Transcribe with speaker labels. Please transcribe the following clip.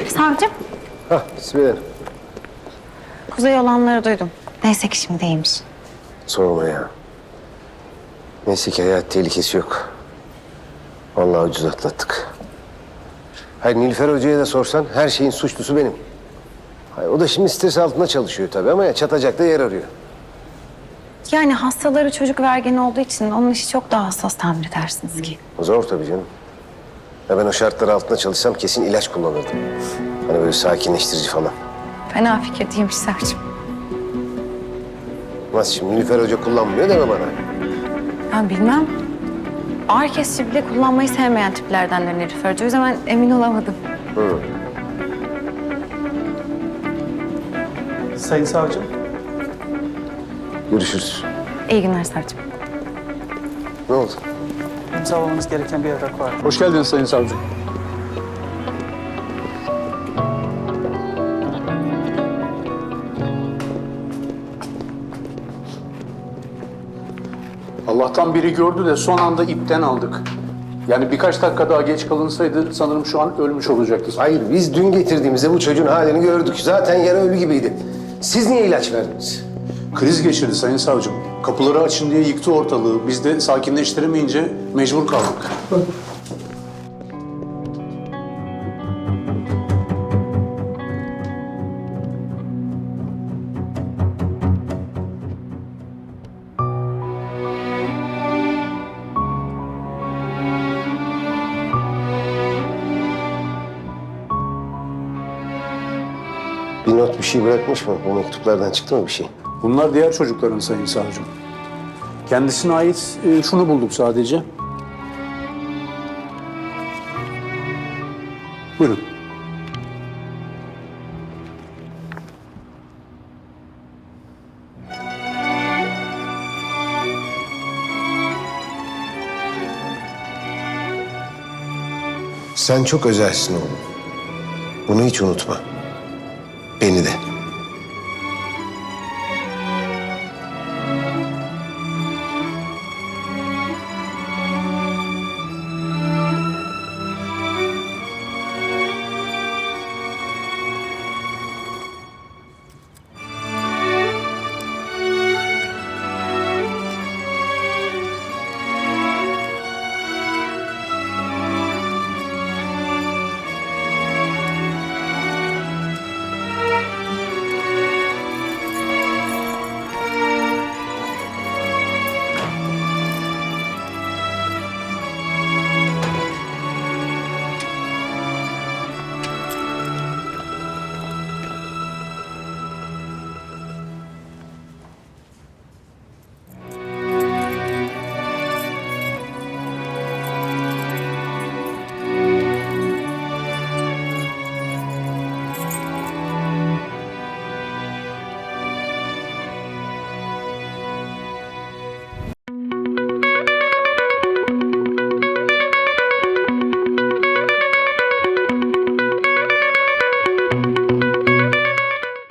Speaker 1: Savcım,
Speaker 2: Hah, Sibel.
Speaker 1: Kuzey olanları duydum. Neyse ki şimdi iyiymiş.
Speaker 2: Sorma ya. Neyse ki hayat tehlikesi yok. Vallahi ucuz atlattık. Hayır, Nilüfer Hoca'ya da sorsan her şeyin suçlusu benim. Hayır, o da şimdi stres altında çalışıyor tabii ama ya çatacak da yer arıyor.
Speaker 1: Yani hastaları çocuk ve ergen olduğu için onun işi çok daha hassas tahmin edersiniz ki.
Speaker 2: Zor tabii canım. Ya ben o şartlar altında çalışsam kesin ilaç kullanırdım. Hani böyle sakinleştirici falan.
Speaker 1: Fena fikir değilmiş savcım.
Speaker 2: Nasıl şimdi Nilüfer Hoca kullanmıyor deme bana.
Speaker 1: Ben bilmem. Ağrı kesici bile kullanmayı sevmeyen tiplerdendir Nilüfer Hoca. O yüzden ben emin olamadım.
Speaker 3: Sayın savcım.
Speaker 2: Görüşürüz.
Speaker 1: İyi günler savcım.
Speaker 2: Ne oldu?
Speaker 3: İmzalamanız gereken bir evrak var.
Speaker 4: Hoş geldiniz Sayın Savcı. Allah'tan biri gördü de son anda ipten aldık. Yani birkaç dakika daha geç kalınsaydı sanırım şu an ölmüş olacaktı.
Speaker 2: Hayır, biz dün getirdiğimizde bu çocuğun halini gördük. Zaten yarı ölü gibiydi. Siz niye ilaç verdiniz?
Speaker 4: Kriz geçirdi Sayın Savcım. Kapıları açın diye yıktı ortalığı. Biz de sakinleştiremeyince mecbur kaldık.
Speaker 2: Bir not bir şey bırakmış mı? Bu mektuplardan çıktı mı bir şey?
Speaker 4: Bunlar diğer çocukların Sayın Savcım. Kendisine ait şunu bulduk sadece. Buyurun.
Speaker 2: Sen çok özelsin oğlum. Bunu hiç unutma. Beni de.